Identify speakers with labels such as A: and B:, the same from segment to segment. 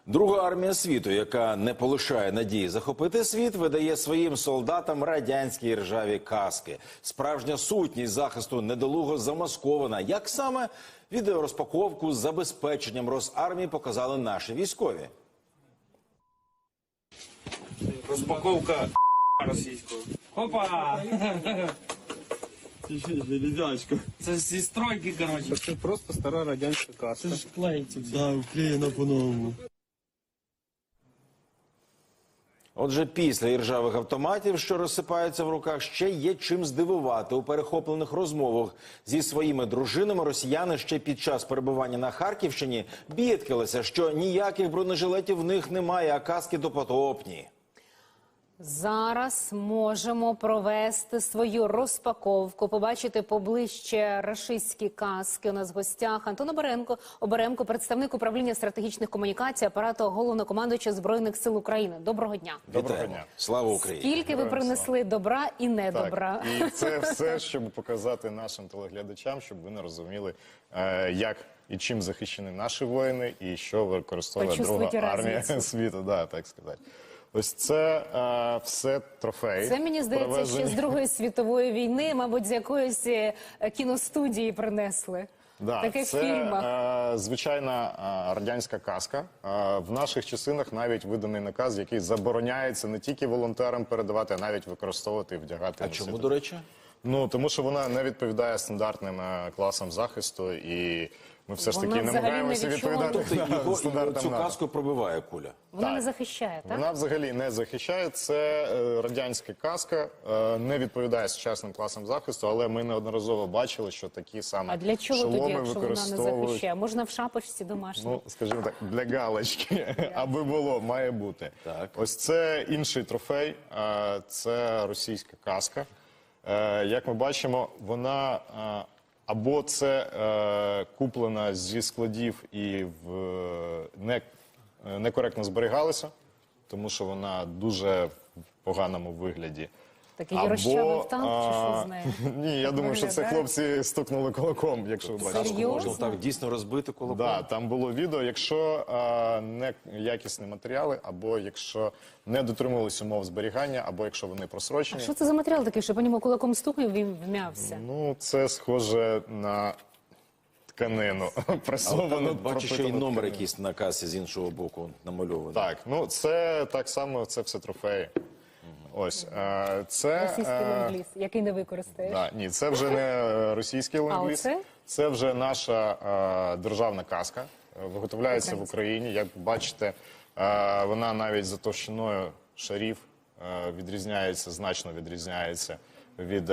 A: Друга армія світу, яка не полишає надії захопити світ, видає своїм солдатам радянські іржаві каски. Справжня сутність захисту недолуго замаскована. Як саме? Відеорозпаковку з забезпеченням Росармії показали наші військові.
B: Розпаковка російського. Опа!
C: Железячка.
B: Це зі стройки, коротше.
C: Це просто стара радянська каска.
B: Це ж клеїться.
C: Да, вклеєна по-новому.
A: Отже, після іржавих автоматів, що розсипаються в руках, ще є чим здивувати. У перехоплених розмовах зі своїми дружинами росіяни ще під час перебування на Харківщині бідкалися, що ніяких бронежилетів в них немає, а каски допотопні.
D: Зараз можемо провести свою розпаковку, побачити поближче рашистські каски. У нас в гостях Антон Оберемко, представник управління стратегічних комунікацій апарату головнокомандуючого Збройних сил України. Доброго дня.
A: Доброго дня. Слава Україні.
D: Скільки ви принесли добра і недобра?
E: Так, і це все, щоб показати нашим телеглядачам, щоб вони розуміли, як і чим захищені наші воїни, і що використовує друга армія світу, да, так сказати. Ось це все трофеї.
D: Це, мені здається, ще з Другої світової війни, мабуть, з якоїсь кіностудії принесли.
E: Да,
D: таке в
E: це
D: фільмах.
E: Звичайна радянська каска. В наших частинах навіть виданий наказ, який забороняється не тільки волонтерам передавати, а навіть використовувати і вдягати.
A: А чому, до речі?
E: Ну, тому що вона не відповідає стандартним класам захисту, і ми все ж таки намагаємося відповідати стандартам
A: Цю
E: НАТО.
A: каску пробиває куля.
D: Вона не захищає, так?
E: Вона взагалі не захищає. Це радянська каска, не відповідає сучасним класам захисту, але ми неодноразово бачили, що такі саме
D: А для чого тоді,
E: шоломи
D: якщо вона не
E: використовують.
D: захищає? Можна в шапочці домашній?
E: Ну, скажімо так, для галочки, аби було, має бути.
A: Так.
E: Ось це інший трофей, це російська каска. Як ми бачимо, вона або це куплена зі складів і некоректно зберігалася, тому що вона дуже в поганому вигляді.
D: Такий розчавив танк, чи що з нею?
E: Ні, я думаю, що це
D: Виглядає?
E: хлопці стукнули кулаком, якщо ви бачите.
D: Серйозно?
A: Можна так дійсно розбити кулаком?
E: Да, там було відео, якщо неякісні матеріали, або якщо не дотримувалися умов зберігання, або якщо вони
D: А
E: просрочені.
D: що це за матеріал такий, що по ньому кулаком стукнув, він вм'явся?
E: Ну, це схоже на тканину, пресовану.
A: Бачу, що і
E: пропитану
A: номер
E: тканину.
A: якийсь на касі з іншого боку намальований.
E: Так, ну це так само, це все трофеї. Ось, це...
D: Російський ленд-ліз, який не використаєш.
E: Да, ні, це вже не російський ленд-ліз.
D: оце?
E: Це вже наша державна каска. Виготовляється в Україні. Як бачите, вона навіть за товщиною шарів відрізняється, значно відрізняється від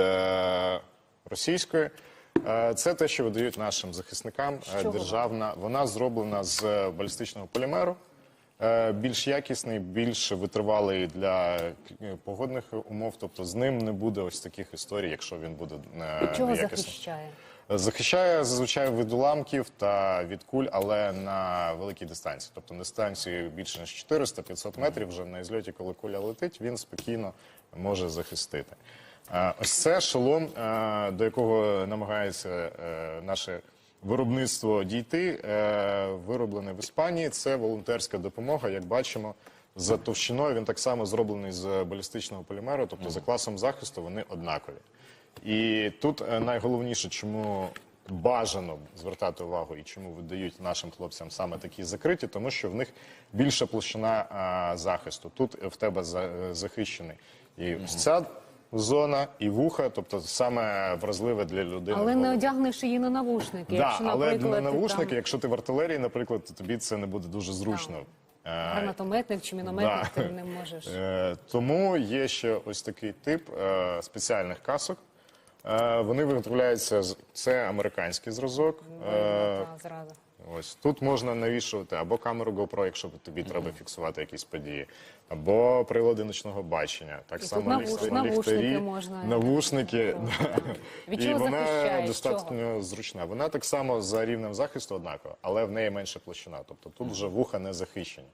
E: російської. Це те, що видають нашим захисникам. Державна. Вона зроблена з балістичного полімеру. Більш якісний, більш витривалий для погодних умов, тобто з ним не буде ось таких історій, якщо він буде
D: Чого
E: неякісним.
D: захищає?
E: Захищає зазвичай від уламків та від куль, але на великій дистанції. Тобто на дистанції більше ніж 400-500 метрів, вже на ізльоті, коли куля летить, він спокійно може захистити. Ось це шолом, до якого намагається наше виробництво дійти, вироблений в Іспанії. Це волонтерська допомога, як бачимо, за товщиною він так само зроблений з балістичного полімеру, тобто за класом захисту вони однакові. І тут найголовніше, чому бажано звертати увагу і чому видають нашим хлопцям саме такі закриті, тому що в них більша площина захисту. Тут в тебе захищений і ось ця зона, і вуха, тобто саме вразливе для людини.
D: Але не одягнеш її на навушники.
E: Да,
D: якщо,
E: але
D: наприклад,
E: на
D: ти
E: навушники,
D: там
E: якщо ти в артилерії, наприклад, то тобі це не буде дуже зручно.
D: гранатометник чи мінометник,
E: Да.
D: ти не можеш.
E: Тому є ще ось такий тип спеціальних касок. Вони виготовляються, це американський зразок.
D: Зразу.
E: Ось тут можна навішувати або камеру GoPro, якщо тобі треба фіксувати якісь події, або прилади ночного бачення. Так
D: І
E: само
D: тут навушники
E: ліхтарі,
D: можна.
E: навушники.
D: Від
E: І
D: чого
E: вона
D: захищає?
E: достатньо зручна. Вона так само за рівнем захисту однакова, але в неї менша площина. Тобто тут вже вуха не захищені.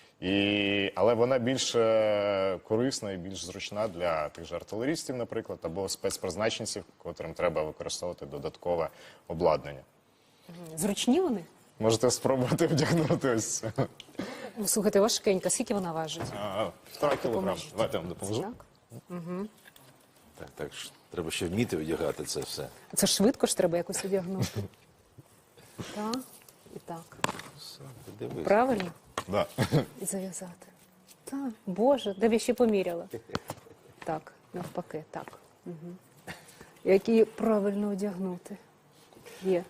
E: Але вона більш корисна і більш зручна для тих же артилерістів, наприклад, або спецпризначенців, котрим треба використовувати додаткове обладнання.
D: Зручні вони?
E: Можете спробувати вдягнути ось це.
D: Слухайте, важкенька. Скільки вона важить?
E: 1,5 кілограм.
D: Допоможіть.
E: Давайте я вам допоможу.
D: Так.
A: Так ж треба ще вміти одягати це все.
D: Це швидко ж треба якось одягнути. Так, і так.
A: Дивись.
D: Правильно?
E: Да.
D: І зав'язати. Так, Боже, де б я ще поміряла? Так, навпаки, так. Угу. Як її правильно одягнути? Є.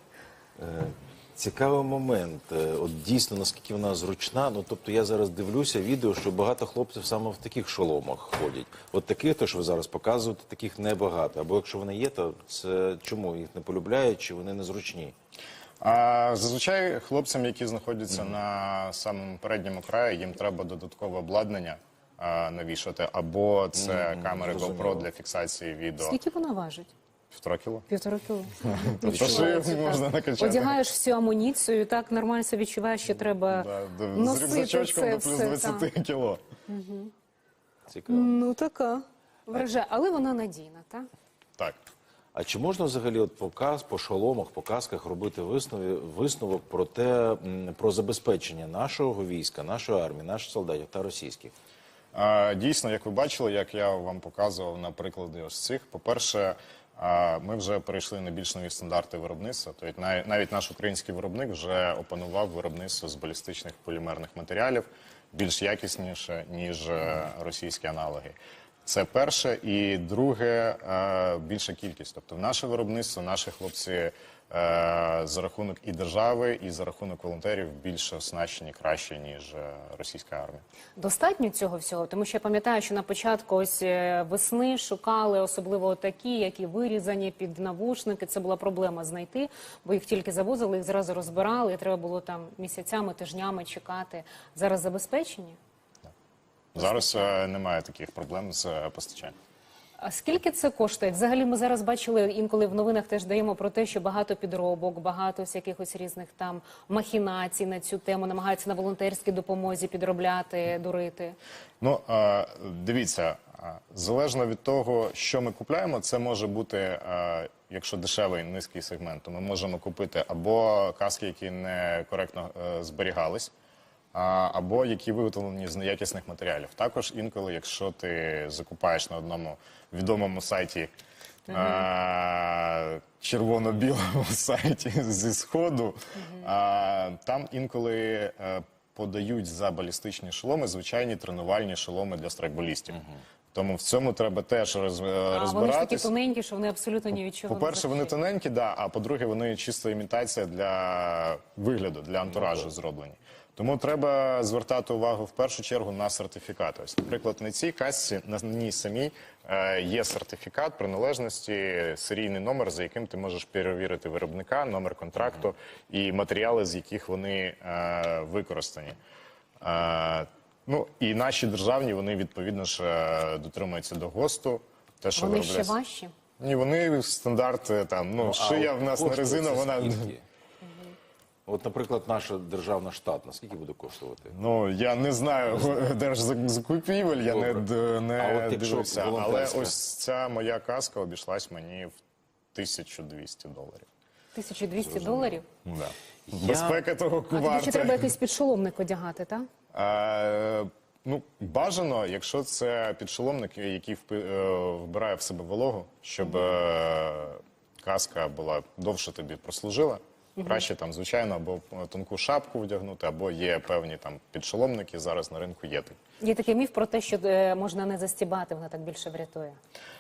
A: Цікавий момент. От дійсно, наскільки вона зручна. Ну, тобто я зараз дивлюся відео, що багато хлопців саме в таких шоломах ходять. От таких, то, що ви зараз показуєте, таких небагато. Або якщо вони є, то це чому їх не полюбляють, чи вони незручні?
E: Зазвичай хлопцям, які знаходяться на самому передньому краї, їм треба додаткове обладнання навішати, або це камери GoPro для фіксації відео.
D: Скільки вона важить?
E: 1,5 кіло.
D: 1,5 кіло.
E: Тобто шию можна накачати.
D: Одягаєш всю амуніцію, і так нормально себе відчуваєш, що треба
E: З
D: носити
E: рюкзачочком
D: це
E: до плюс
D: все.
E: 20
D: так.
E: кіло.
A: Цікаво.
D: Ну, така. Вражає, але вона надійна, так?
E: Так.
A: А чи можна взагалі от по шоломах, по касках робити висновок про те, про забезпечення нашого війська, нашої армії, наших солдатів та російських?
E: Дійсно, як ви бачили, як я вам показував на прикладі ось цих, по-перше, ми вже перейшли на більш нові стандарти виробництва. Тобто навіть наш український виробник вже опанував виробництво з балістичних полімерних матеріалів більш якісніше, ніж російські аналоги. Це перше. І друге, більша кількість. Тобто наше виробництво, наші хлопці за рахунок і держави, і за рахунок волонтерів більш оснащені краще, ніж російська армія.
D: Достатньо цього всього? Тому що я пам'ятаю, що на початку ось весни шукали особливо такі, які вирізані під навушники. Це була проблема знайти, бо їх тільки завозили, їх зразу розбирали, і треба було там місяцями, тижнями чекати. Зараз забезпечені?
E: Зараз немає таких проблем з постачанням.
D: А скільки це коштує? Взагалі ми зараз бачили, інколи в новинах теж даємо про те, що багато підробок, багато всяких ось різних там махінацій на цю тему, намагаються на волонтерській допомозі підробляти, дурити.
E: Ну, дивіться, залежно від того, що ми купляємо, це може бути, якщо дешевий, низький сегмент, то ми можемо купити або каски, які некоректно зберігались, або які виготовлені з неякісних матеріалів. Також інколи, якщо ти закупаєш на одному відомому сайті, червоно-білому сайті зі Сходу, там інколи подають за балістичні шоломи звичайні тренувальні шоломи для страйкболістів. Тому в цьому треба теж
D: А вони ж такі
E: розбиратись.
D: тоненькі, що вони абсолютно ні від чого не
E: По-перше, вони
D: захищають.
E: тоненькі, да, а по-друге, вони чисто імітація для вигляду, для антуражу зроблені. Тому треба звертати увагу в першу чергу на сертифікати. Ось, наприклад, на цій касці, на ній самій є сертифікат приналежності, серійний номер, за яким ти можеш перевірити виробника, номер контракту і матеріали, з яких вони використані. Ну, і наші державні, вони відповідно ж дотримуються до ГОСТу. Те, що
D: Вони ще
E: виробляється.
D: важчі?
E: Ні, вони стандарт, там, ну, шия в нас не резина, вона...
A: От, наприклад, наша державна штатна, скільки буде коштувати?
E: Ну, я не знаю держзакупівель, я не
A: А от якщо
E: дивився. Але
A: волонтерська?
E: ось ця моя каска обійшлась мені в $1200.
D: 1200 доларів?
E: Да. Безпека того
D: А тобі ще
E: варта.
D: треба якийсь підшоломник одягати, так?
E: Ну, бажано, якщо це підшоломник, який вбирає в себе вологу, щоб каска була довше тобі прослужила. Краще там, звичайно, або тонку шапку вдягнути, або є певні там підшоломники, зараз на ринку є такі.
D: Є такий міф про те, що можна не застібати, вона так більше врятує.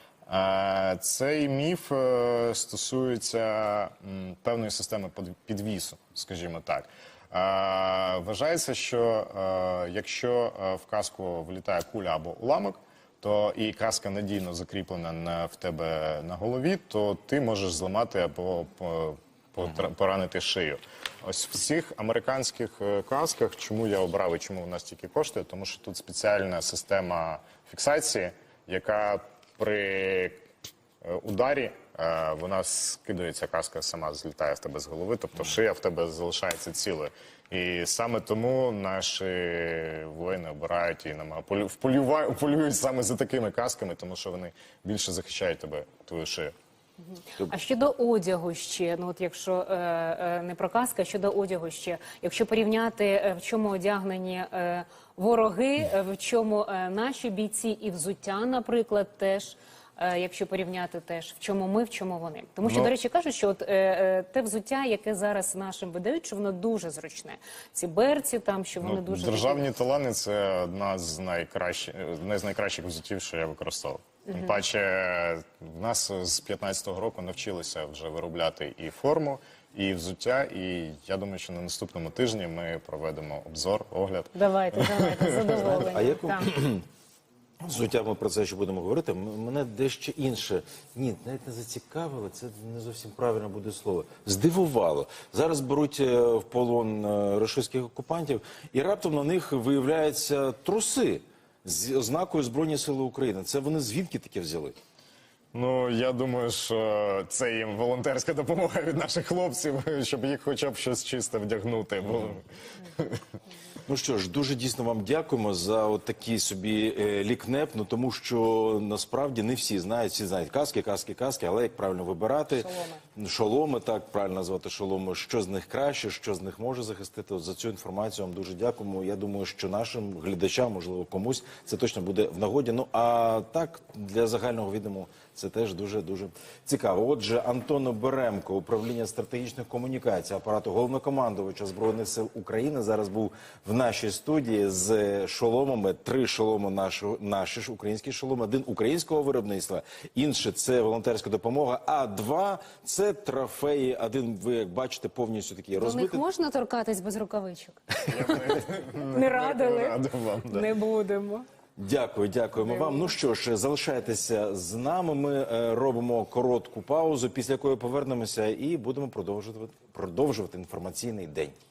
E: Цей міф стосується певної системи підвісу, скажімо так. Вважається, що якщо в каску влітає куля або уламок, то і каска надійно закріплена в тебе на голові, то ти можеш зламати або поранити шию. Ось в цих американських касках, чому я обрав і чому у нас тільки коштує, тому що тут спеціальна система фіксації, яка при ударі вона скидується, каска сама злітає в тебе з голови, тобто шия в тебе залишається цілою. І саме тому наші воїни обирають і полюють саме за такими касками, тому що вони більше захищають тебе, твою шию.
D: А щодо одягу ще, ну от якщо не про каски, а щодо одягу ще, якщо порівняти, в чому одягнені вороги, в чому наші бійці і взуття, наприклад, теж. Якщо порівняти теж, в чому ми, в чому вони. Тому що, до речі, кажуть, що от, те взуття, яке зараз нашим видають, що воно дуже зручне. Ці берці там, що вони дуже...
E: Державні талани – це одна з найкращих взуттів, що я використовував. Тим паче, в нас з 15-го року навчилися вже виробляти і форму, і взуття, і я думаю, що на наступному тижні ми проведемо обзор, огляд.
D: Давайте, задоволені.
A: А яку
D: Так.
A: взуття, ми про це ще будемо говорити, мене дещо інше. Ні, навіть не зацікавило, це не зовсім правильно буде слово. Здивувало. Зараз беруть в полон рашистських окупантів, і раптом на них виявляються труси з ознакою Збройні Сили України. Це вони звідки таке взяли?
E: Ну, я думаю, що це їм волонтерська допомога від наших хлопців, щоб їх хоча б щось чисте вдягнути.
A: Ну що ж, дуже дійсно вам дякуємо за от такий собі лікнеп, ну тому що насправді не всі знають каски, але як правильно вибирати. Шоломи, так, правильно назвати шоломи, що з них краще, що з них може захистити. От за цю інформацію вам дуже дякуємо. Я думаю, що нашим глядачам, можливо, комусь це точно буде в нагоді. Ну, а так, для загального відому це теж дуже-дуже цікаво. Отже, Антон Оберемко, управління стратегічних комунікацій апарату головнокомандувача Збройних сил України, зараз був в нашій студії з шоломами. 3 шоломи наші ж українські шоломи, 1 українського виробництва, інший – це волонтерська допомога, а 2 – це трофеї. 1, ви як бачите, повністю такий
D: До них
A: розбитий.
D: можна торкатись без рукавичок? Не радили?
E: Радив вам, да.
D: Не будемо.
A: Дякуємо вам. Ну що ж, залишайтеся з нами. Ми робимо коротку паузу, після якої повернемося і будемо продовжувати інформаційний день.